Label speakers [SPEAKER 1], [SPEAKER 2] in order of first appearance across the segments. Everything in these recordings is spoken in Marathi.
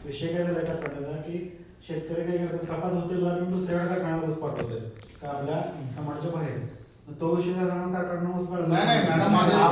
[SPEAKER 1] विषय काय झाला कारखान्याचा की शेतकरी काय करतात, कपात होते म्हणून दुसऱ्याकडे कारखान्याला ऊस पाठवतात का आपल्या समाजाच्या बाहेर. तो विषय झाला कारखाना ऊस पाठवतो.
[SPEAKER 2] नाही मॅडम,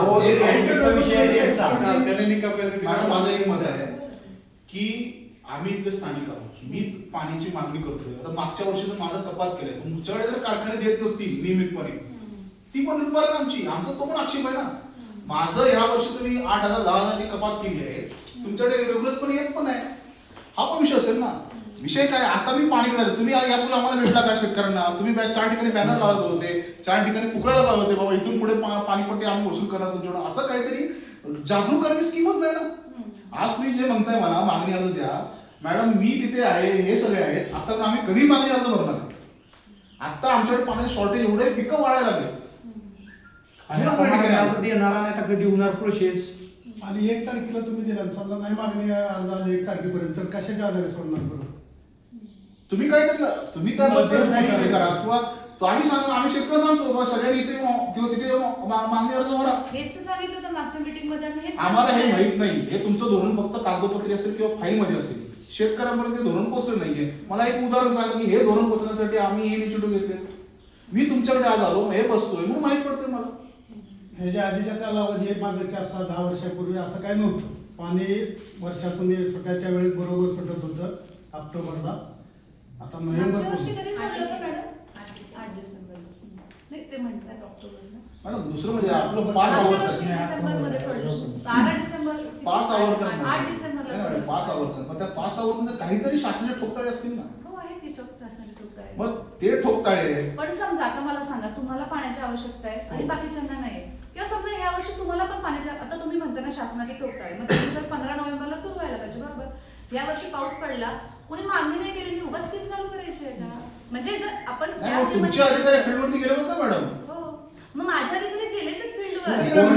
[SPEAKER 2] माझं एक मत आहे की आम्ही इथले स्थानिक आहोत, मी पाण्याची मागणी करतोय. आता मागच्या वर्षी जर माझं कपात केलंय, तुमच्याकडे जर कारखाने देत नसतील नियमितपणे, ती पण लुटमार आमची, आमचा तो पण आक्षेप आहे ना. माझं ह्या वर्षी तुम्ही 8,000 10,000ची कपात केली आहे, तुमच्याकडे रेग्युलर पण येत पण आहे, हा पण विषय असेल ना. विषय काय, आता मी पाणी काढायला, तुम्ही यापूर्वी आम्हाला भेटला का शेतकऱ्यांना? तुम्ही 4 ठिकाणी बॅनर लावत होते, 4 ठिकाणी पुकळायला लावत होते, बाबा इथून पुढे पाणीपट्टी आम्ही वसूल करणार तुमच्याकडून. असं काहीतरी जागरूक करण्याची स्कीमच नाही ना. आज तुम्ही जे म्हणताय मला मागणी अर्ज द्या, मॅडम मी तिथे आहे, हे सगळे आहेत, आता आम्ही कधी मागणी अर्ज भरणार? आता आमच्याकडे पाण्याचे शॉर्टेज एवढे पिकं वाढायला लागले
[SPEAKER 1] येणार नाही कधी होणार प्रोसेस.
[SPEAKER 3] आणि 1 तारखेला तुम्ही दिला, समजा नाही मागणी अर्ज आली 1 तारखेपर्यंत, तर कशाच्या आधारे सोडणार बरं?
[SPEAKER 2] तुम्ही काय करता, तुम्ही त्याबद्दल करा किंवा आम्ही सांगतो, आम्ही शेतकरी सांगतो सगळ्यांनी इथे किंवा तिथे मागणी अर्ज भरा.
[SPEAKER 4] हेच तर सांगितलं होतं मागच्या मीटिंग मध्ये.
[SPEAKER 2] आम्हाला हे माहित नाही, हे तुमचं धोरण फक्त कागदोपत्री असेल किंवा फाईल मध्ये असेल, शेतकऱ्यांपर्यंत ते धोरण पोहोचलं नाहीये. मला एक उदाहरण सांगा की हे धोरण पोहोचण्यासाठी आम्ही हे इनिशिएटिव्ह घेतले. मी तुमच्याकडे आज आलो, हे बसतोय, मग माहित पडते मला.
[SPEAKER 3] ह्याच्या आधीच्या कालावधी मागे 4-10 वर्षापूर्वी असं काय नव्हतं. पाणी वर्षातून सुटायच्या वेळेस बरोबर सुटत होतं ऑक्टोबरला. आता
[SPEAKER 4] मागच्या वर्षी
[SPEAKER 3] नोव्हेंबर
[SPEAKER 4] कधी सोडलं होतं मॅडम? 8 डिसेंबर. नाही ते म्हणतात ऑक्टोबरला.
[SPEAKER 2] मॅडम दुसरं म्हणजे आपलं 5 आवर्तन,
[SPEAKER 4] डिसेंबरमध्ये सोडलं होतं. 12 डिसेंबर.
[SPEAKER 2] 5 आवर्तन,
[SPEAKER 4] 8 डिसेंबरला सोडलं.
[SPEAKER 2] 5 आवर्तन. पण त्या 5 आवर्तन काहीतरी शासनाचे ठोकताळे असतील ना.
[SPEAKER 4] हो आहेत की शासनाचे ठोकताळे.
[SPEAKER 2] मग ते ठोकताळे.
[SPEAKER 4] पण समजा आता मला सांगा, तुम्हाला पाण्याची आवश्यकता आहे आणि बाकीच्यांना नाही, किंवा समजा ह्या वर्षी तुम्हाला पण पाण्याची, आता तुम्ही म्हणता ना शासनाचे ठोकताळे, मग त्यानंतर 15 नोव्हेंबरला सुरू व्हायला पाहिजे बरोबर. या वर्षी पाऊस पडला, कोणी मागणी नाही केली, मी उभा स्कीम चालू करायची आहे का? म्हणजे जर आपण
[SPEAKER 2] तुमचे अधिकारी फील्डवरती गेले होते ना मॅडम.
[SPEAKER 4] हो, मग माझ्या अधिकारी गेलेच फील्डवर.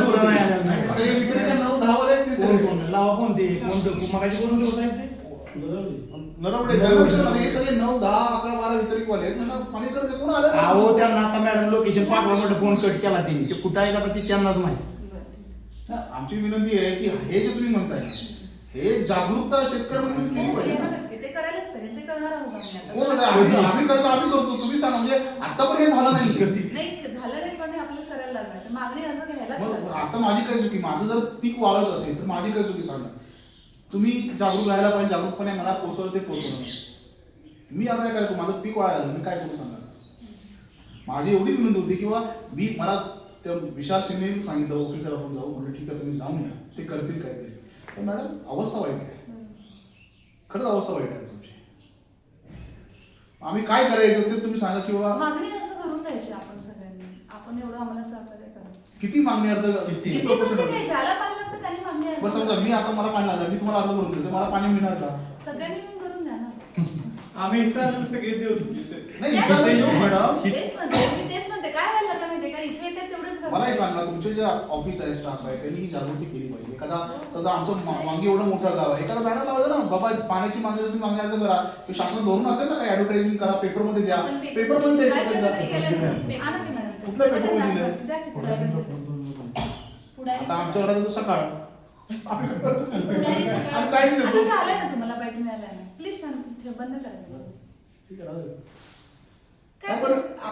[SPEAKER 2] आता हे विक्रेते काय 9-10 वाले आहेत ते सगळे.
[SPEAKER 1] लावा फोन ते कोण मगाशी करून देऊ साहेब ते
[SPEAKER 2] नरवडे त्याला विचारलं, हे सगळे 9, 10, 11, 12 वितरिक वाले आहेत ना. पाणी करायचं कोण आलं?
[SPEAKER 1] अहो त्यांना आता मॅडम लोकेशन पाठवा म्हटलं, फोन कट केला त्यांनी, ते कुठं आहे का ती त्यांनाच माहिती.
[SPEAKER 2] आमची विनंती आहे की हे जे तुम्ही म्हणताय, हे जागरूकता शेतकऱ्यांमध्ये केली पाहिजे.
[SPEAKER 4] ते करायलाच पाहिजे, ते करणार आहोत आम्ही
[SPEAKER 2] कोण
[SPEAKER 4] आता.
[SPEAKER 2] आम्ही करतो, तुम्ही सांगा. म्हणजे आता पण हे झालं नाही.
[SPEAKER 4] नाही झालं नाही, पण आपल्याला करायला लागणार. तर मागणी अर्ज घ्यायलाच
[SPEAKER 2] मग
[SPEAKER 4] लागणार.
[SPEAKER 2] आता माझी काय चुकी? माझं जर पीक वाळत असेल तर माझी काय चुकी सांगा. तुम्ही जागरूक राहायला पाहिजे, जागरूकपणे मला पोहोचवलं ते पोहोचवलं. मी आता काय करतो, माझं पीक वाळायला लागलं, मी काय करू सांगा. माझी एवढी विनंती होती किंवा मला त्या विशाल शिंदे सांगितलं, वकील साहेब आपण जाऊ, म्हणजे ठीक आहे तुम्ही जाऊन या, ते करतील काय ते. पण मॅडम अवस्था वाईट आहे, खरंच अवस्था वाईट आहे तुमची. आम्ही काय करायचं ते तुम्ही सांगा. किंवा
[SPEAKER 4] मागणी अर्ज भरून द्यायची आपण सगळ्यांनी. आपण एवढं आम्हाला सहकार्य करा.
[SPEAKER 2] किती मागणी अर्ज,
[SPEAKER 4] किती म्हणजे ज्याला पाणी लागतं त्यांनी मागणी अर्ज.
[SPEAKER 2] बस समजा मी आता मला पाणी लागलं, मी तुम्हाला अर्ज भरून देतो, मला पाणी मिळणार का?
[SPEAKER 4] सगळ्यांनी मिळून भरून द्या ना.
[SPEAKER 1] आम्ही इथं सगळे देऊ.
[SPEAKER 2] नाही इथं नाही येऊ मॅडम.
[SPEAKER 4] तेच म्हणते, मी तेच म्हणते. काय व्हायला लागलं माहितीये का, इथे येतात तेवढंच
[SPEAKER 2] मला एक सांगा, तुमचे जे ऑफिस आहे, स्टाफ आहे, त्यांनी ही जागृती केली पाहिजे. एखादा समजा आमचं वांगी एवढं मोठं गाव आहे, एखादा बॅनर लावायचं ना, बाबा पाण्याची मागणी तुम्ही मागणी अर्ज करा, किंवा शासन धोरण असेल ना काही ऍडव्हर्टायझिंग करा, पेपरमध्ये द्या, पेपरमध्ये द्यायचं. कुठल्या पेपरमध्ये दिलं? आता आमच्या घरात तर सकाळ टाइम्स येतो.
[SPEAKER 4] झालंय ना तुम्हाला बाईट मिळालाय ना, प्लीज सांग बंद करा.
[SPEAKER 2] ठीक आहे.
[SPEAKER 4] काय